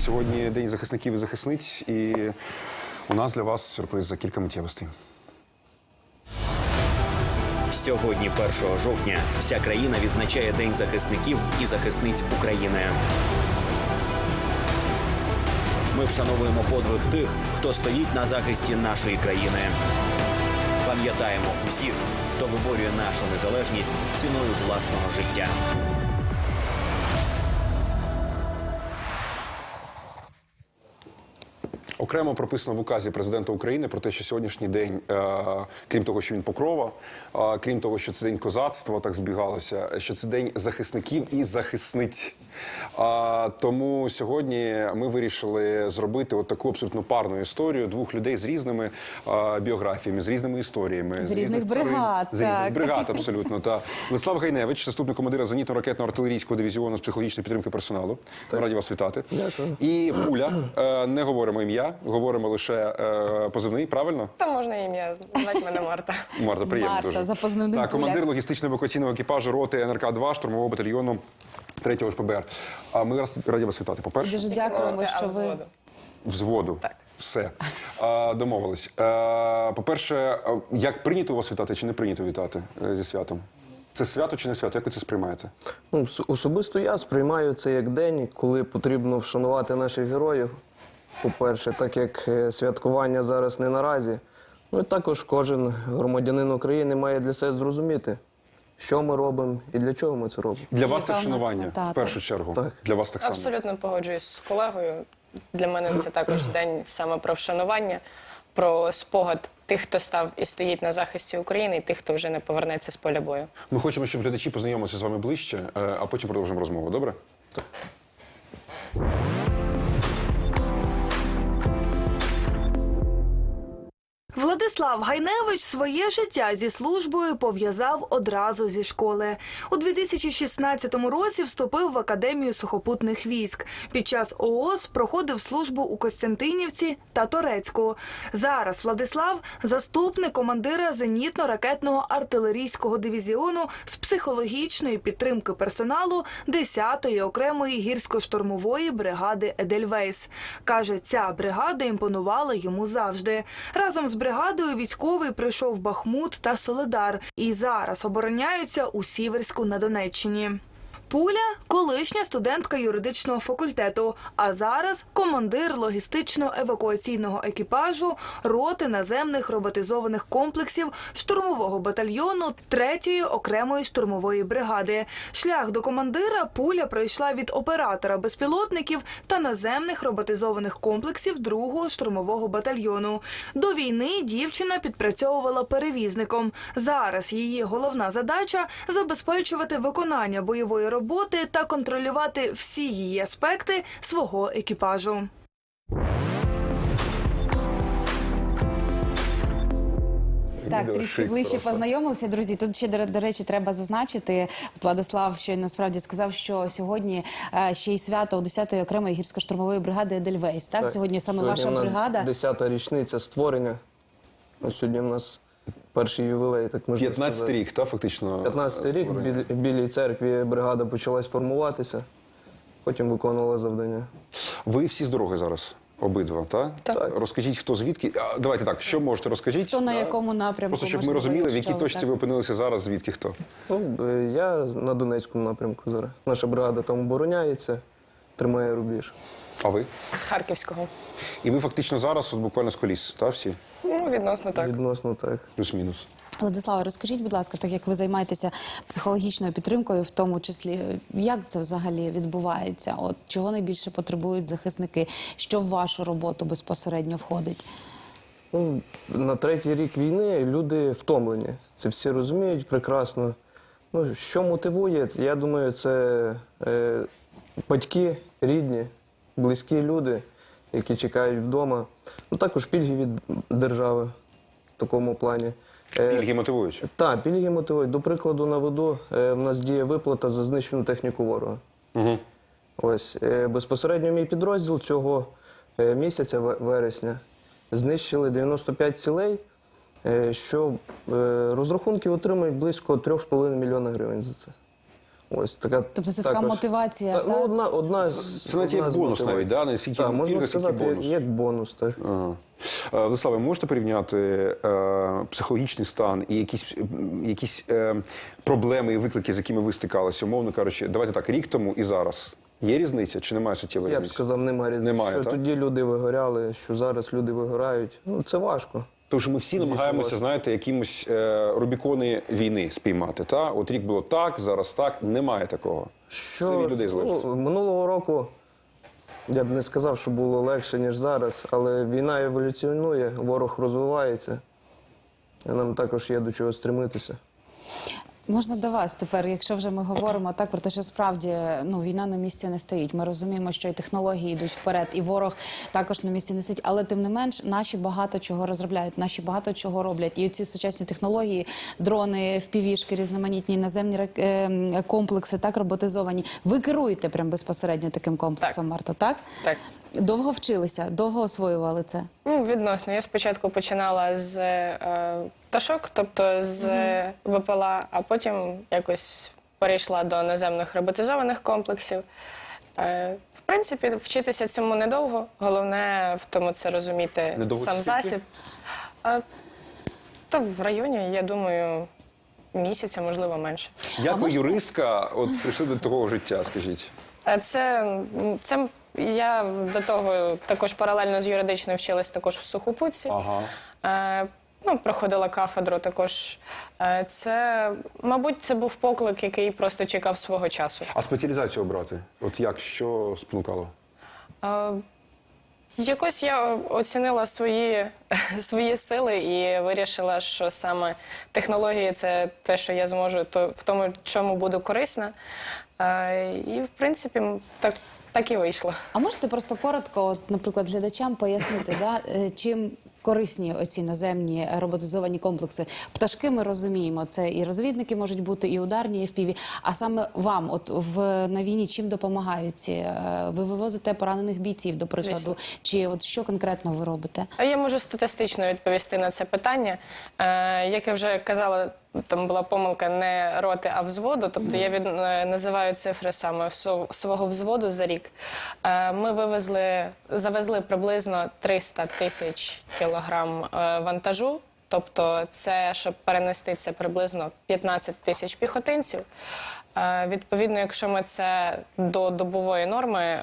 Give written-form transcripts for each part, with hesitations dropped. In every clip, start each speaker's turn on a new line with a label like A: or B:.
A: Сьогодні День захисників і захисниць, і у нас для вас сюрприз за кілька миттєвостей.
B: Сьогодні, 1 жовтня, вся країна відзначає День захисників і захисниць України. Ми вшановуємо подвиг тих, хто стоїть на захисті нашої країни. Пам'ятаємо усіх, хто виборює нашу незалежність ціною власного життя.
A: Окремо прописано в указі президента України про те, що сьогоднішній день, крім того, що він покрова, крім того, що це день козацтва, так збігалося, що це день захисників і захисниць. Тому сьогодні ми вирішили зробити от таку абсолютно парну історію двох людей з різними біографіями, з різними історіями.
C: З різних бригад.
A: З різних бригад, абсолютно. Та Владислав Гайневич, заступник командира зенітно-ракетного артилерійського дивізіону з психологічної підтримки персоналу. Раді вас вітати.
D: Дякую.
A: І Пуля, не говоримо ім'я, говоримо лише позивний, правильно?
D: Та можна ім'я, звати мене Марта.
A: Марта, приємно
C: Марта,
A: дуже.
C: за позивним
A: Так, командир логістично-евакуаційного екіпажу роти НРК-2 штурмового батальйону 3-го ШПБР. Ми раді вас вітати, по-перше.
C: Дуже дякуємо, що ви...
A: Взводу.
D: Так.
A: Все. Домовились. По-перше, як прийнято вас вітати чи не прийнято вітати зі святом? Це свято чи не свято? Як ви це сприймаєте?
E: Ну, особисто я сприймаю це як день, коли потрібно вшанувати наших героїв. По-перше, так як святкування зараз не наразі. Ну і також кожен громадянин України має для себе зрозуміти, що ми робимо і для чого ми це робимо.
A: Для вас це
C: Яка в нас
A: вшанування,
C: мета,
A: в першу чергу.
E: Так.
A: Для вас так само.
D: Абсолютно погоджуюсь з колегою. Для мене це також день саме про вшанування, про спогад тих, хто став і стоїть на захисті України, і тих, хто вже не повернеться з поля бою.
A: Ми хочемо, щоб глядачі познайомилися з вами ближче, а потім продовжимо розмову. Добре? Так.
F: Владислав Гайневич своє життя зі службою пов'язав одразу зі школи. У 2016 році вступив в Академію сухопутних військ. Під час ООС проходив службу у Костянтинівці та Торецьку. Зараз Владислав – заступник командира зенітно-ракетного артилерійського дивізіону з психологічної підтримки персоналу 10-ї окремої гірсько-штурмової бригади «Едельвейс». Каже, ця бригада імпонувала йому завжди. Разом з бригадою військовий прийшов Бахмут та Солидар і зараз обороняються у Сіверську на Донеччині. Пуля – колишня студентка юридичного факультету, а зараз командир логістично-евакуаційного екіпажу роти наземних роботизованих комплексів штурмового батальйону 3-ї окремої штурмової бригади. Шлях до командира Пуля пройшла від оператора безпілотників та наземних роботизованих комплексів 2-го штурмового батальйону. До війни дівчина підпрацьовувала перевізником. Зараз її головна задача – забезпечувати виконання бойової роботи та контролювати всі її аспекти свого екіпажу.
C: Так, трішки ближче познайомилися, друзі. Тут ще, до речі, треба зазначити, от Владислав щойно насправді сказав, що сьогодні ще й свято у 10-ї окремої гірсько-штурмової бригади «Едельвейс». Так? Сьогодні саме ваша бригада.
E: 10-та річниця створення. Ось сьогодні в нас перший ювілей, так можна сказати.
A: 15-й рік, так, фактично?
E: 15-й рік в Білій церкві бригада почалась формуватися, потім виконувала завдання.
A: Ви всі з дороги зараз? Обидва, так?
D: Так.
A: Розкажіть, хто звідки. Давайте так, що можете розкажіть?
C: Хто на якому напрямку?
A: Просто, щоб ми
C: можливо,
A: розуміли, в якій
C: якщо
A: точці
C: так.
A: ви опинилися зараз, звідки хто.
E: Ну, я на Донецькому напрямку зараз. Наша бригада там обороняється, тримає рубіж.
A: А ви?
D: З Харківського.
A: І ви фактично зараз от буквально з коліс, так, всі?
D: Ну, відносно так.
E: Відносно так.
A: Плюс-мінус.
C: Владислава, розкажіть, будь ласка, так як ви займаєтеся психологічною підтримкою, в тому числі, як це взагалі відбувається? От чого найбільше потребують захисники? Що в вашу роботу безпосередньо входить?
E: Ну, на 3-й рік війни люди втомлені. Це всі розуміють прекрасно. Ну, що мотивує? Я думаю, це батьки, рідні, близькі люди, які чекають вдома. Ну, також пільги від держави в такому плані.
A: Пільги мотивують?
E: Так, пільги мотивують. До прикладу наведу, в нас діє виплата за знищену техніку ворога.
A: Угу.
E: Ось, безпосередньо мій підрозділ цього місяця, вересня, знищили 95 цілей, що розрахунки отримують близько 3,5 мільйона гривень за це. Ось така.
C: Тобто це така мотивація,
E: Ну,
C: та?
E: одна з
A: Це навіть як
E: одна з
A: бонус
E: мотивацій.
A: навіть, да? Не стільки
E: Так, можна
A: пільга, скільки
E: сказати,
A: бонус.
E: як бонус, так.
A: Ага. Владиславе, можете порівняти психологічний стан і якісь проблеми і виклики, з якими ви стикалися, умовно кажучи, давайте так, рік тому і зараз? Є різниця чи немає суттєвої
E: Я б
A: різниці?
E: сказав, немає різниці.
A: Немає,
E: що
A: так?
E: тоді люди вигоряли, що зараз люди вигорають. Ну, це важко.
A: Тому що ми всі намагаємося, знаєте, якимось Рубікони війни спіймати. Та? От рік було так, зараз так. Немає такого. Це від людей залежить.
E: Минулого року я б не сказав, що було легше, ніж зараз, але війна еволюціонує, ворог розвивається. І нам також є до чого стремитися.
C: Можна до вас тепер, якщо вже ми говоримо так про те, що справді війна на місці не стоїть. Ми розуміємо, що і технології йдуть вперед, і ворог також на місці не стоїть. Але тим не менш, наші багато чого розробляють, наші багато чого роблять. І ці сучасні технології, дрони, впівішки, різноманітні наземні комплекси, так роботизовані. Ви керуєте прям безпосередньо таким комплексом,
D: Так.
C: Марто, так?
D: Так.
C: Довго вчилися, довго освоювали це?
D: Відносно. Я спочатку починала з пташок, тобто з ВПЛА, а потім якось перейшла до наземних роботизованих комплексів. В принципі, вчитися цьому недовго. Головне в тому це розуміти
A: Недовго
D: сам
A: це
D: засіб. Та в районі, я думаю, місяця, можливо, менше.
A: Як ви, юристка, от прийшли до такого життя, скажіть?
D: Це я до того також паралельно з юридичною вчилась також в Сухопутці.
A: Ага.
D: Проходила кафедру також. Мабуть, це був поклик, який просто чекав свого часу.
A: А спеціалізацію обрати? От як, що спонукало?
D: Якось я оцінила свої сили і вирішила, що саме технології – це те, що я зможу, в тому, чому буду корисна. І, в принципі, так і вийшло.
C: А можете просто коротко, от, наприклад, глядачам пояснити, чим корисні оці наземні роботизовані комплекси? Пташки ми розуміємо, це і розвідники можуть бути, і ударні, і FPV. А саме вам, от на війні, чим допомагають ці? Ви вивозите поранених бійців, до прикладу,
D: Звісно.
C: чи от що конкретно ви робите?
D: А я можу статистично відповісти на це питання. Як я вже казала, там була помилка не роти, а взводу. Тобто я називаю цифри саме свого взводу за рік. Ми завезли приблизно 300 тисяч кілограм вантажу. Тобто це, щоб перенести, це приблизно 15 тисяч піхотинців. Відповідно, якщо ми це до добової норми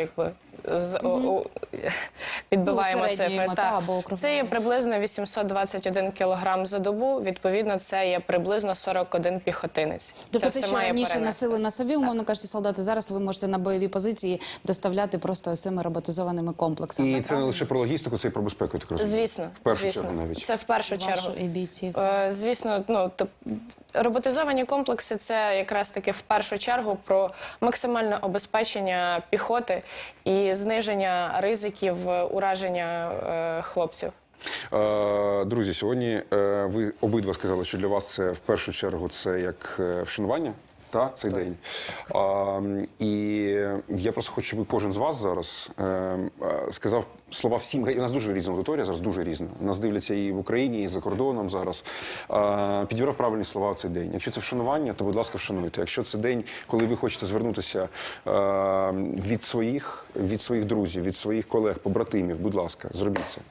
D: підбиваємо цифри, це є приблизно 821 кілограм за добу, відповідно, це є приблизно 41 піхотинець.
C: Тобто
D: це
C: те, що раніше носили на собі, умовно кажучи, солдати, зараз ви можете на бойові позиції доставляти просто цими роботизованими комплексами.
A: І це не лише про логістику, це і про безпеку, я так розумію.
D: Звісно,
A: В першу чергу навіть.
D: Це в першу
C: Вашу
D: чергу.
C: і бійців.
D: Звісно, роботизовані комплекси – це якраз таки в першу чергу про максимальне обезпечення піхоти і зниження ризиків ураження хлопців.
A: Друзі, сьогодні ви обидва сказали, що для вас це в першу чергу це як вшанування. Цей день. І я просто хочу, щоб кожен з вас зараз сказав слова всім. У нас дуже різна аудиторія, зараз дуже різна. Нас дивляться і в Україні, і за кордоном зараз. Підібрав правильні слова в цей день. Якщо це вшанування, то, будь ласка, вшануйте. Якщо це день, коли ви хочете звернутися від своїх друзів, від своїх колег, побратимів, будь ласка, зробіть це.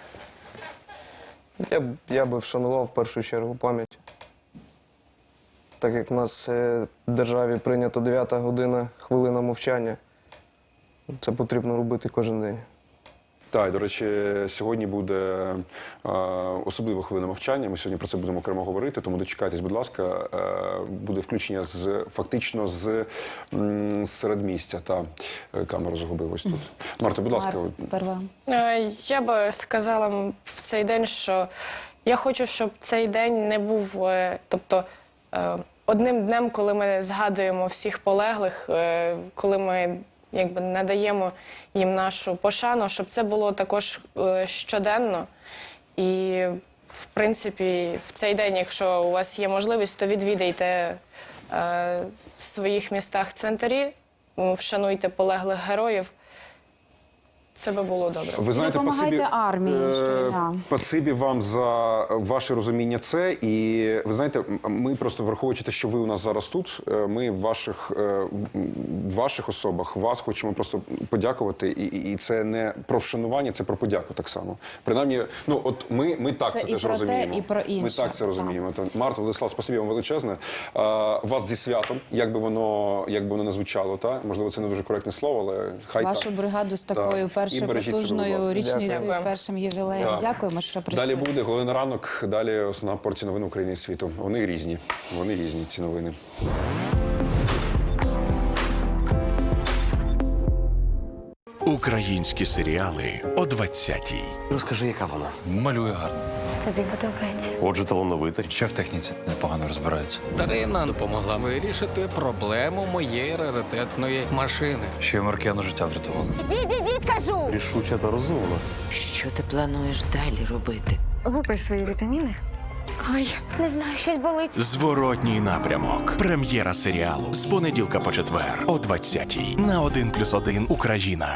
E: Я би вшанував в першу чергу пам'ять. Так як в нас в державі прийнято 9-та година, хвилина мовчання, це потрібно робити кожен день.
A: Так, до речі, сьогодні буде особлива хвилина мовчання. Ми сьогодні про це будемо окремо говорити, тому дочекайтесь, будь ласка, буде включення фактично з середмістя. Камеру загубив ось тут. Марта, будь ласка.
C: Тепер вам.
D: Я би сказала в цей день, що я хочу, щоб цей день не був, одним днем, коли ми згадуємо всіх полеглих, коли ми надаємо їм нашу пошану, щоб це було також щоденно. І, в принципі, в цей день, якщо у вас є можливість, то відвідайте в своїх містах цвинтарі, вшануйте полеглих героїв. це би було добре.
A: Ви знаєте,
C: Допомагайте армії щодня.
A: спасибі вам за ваше розуміння це. І ви знаєте, ми просто враховуючи те, що ви у нас зараз тут, ми в ваших особах вас хочемо просто подякувати. І це не про вшанування, це про подяку так само. Принаймні, ну от ми так
C: Це
A: це
C: і
A: теж
C: про те,
A: розуміємо.
C: і про інше.
A: Ми так це розуміємо. Марта, Владислав, спасибі вам величезне. Вас зі святом, як би воно не звучало, та можливо, це не дуже коректне слово, але хай
C: Вашу
A: так.
C: бригаду з такою
A: І
C: першою
A: бережіть себе, будь
C: потужною
A: ласка.
C: річницею, з
D: Дякую.
C: першим ювілеєм.
A: Так.
C: Дякуємо, що прийшли.
A: Далі буде головний на ранок. Далі основна порція новин України і світу. Вони різні, ці новини.
G: Українські серіали о 20-й.
H: Розкажи, яка вона?
I: Малює гарно.
J: Тобі подобається.
H: Отже, талановита.
I: Ще в техніці непогано розбирається.
K: Дарина допомогла вирішити проблему моєї раритетної машини.
I: Ще й Маркіяну життя врятувала.
J: Ідіть, кажу!
H: Рішуча та розумна.
L: Що ти плануєш далі робити?
J: Випий свої вітаміни. Ой, не знаю, щось болить.
G: Зворотній напрямок. Прем'єра серіалу з понеділка по четвер о 20-й на 1+1 Україна.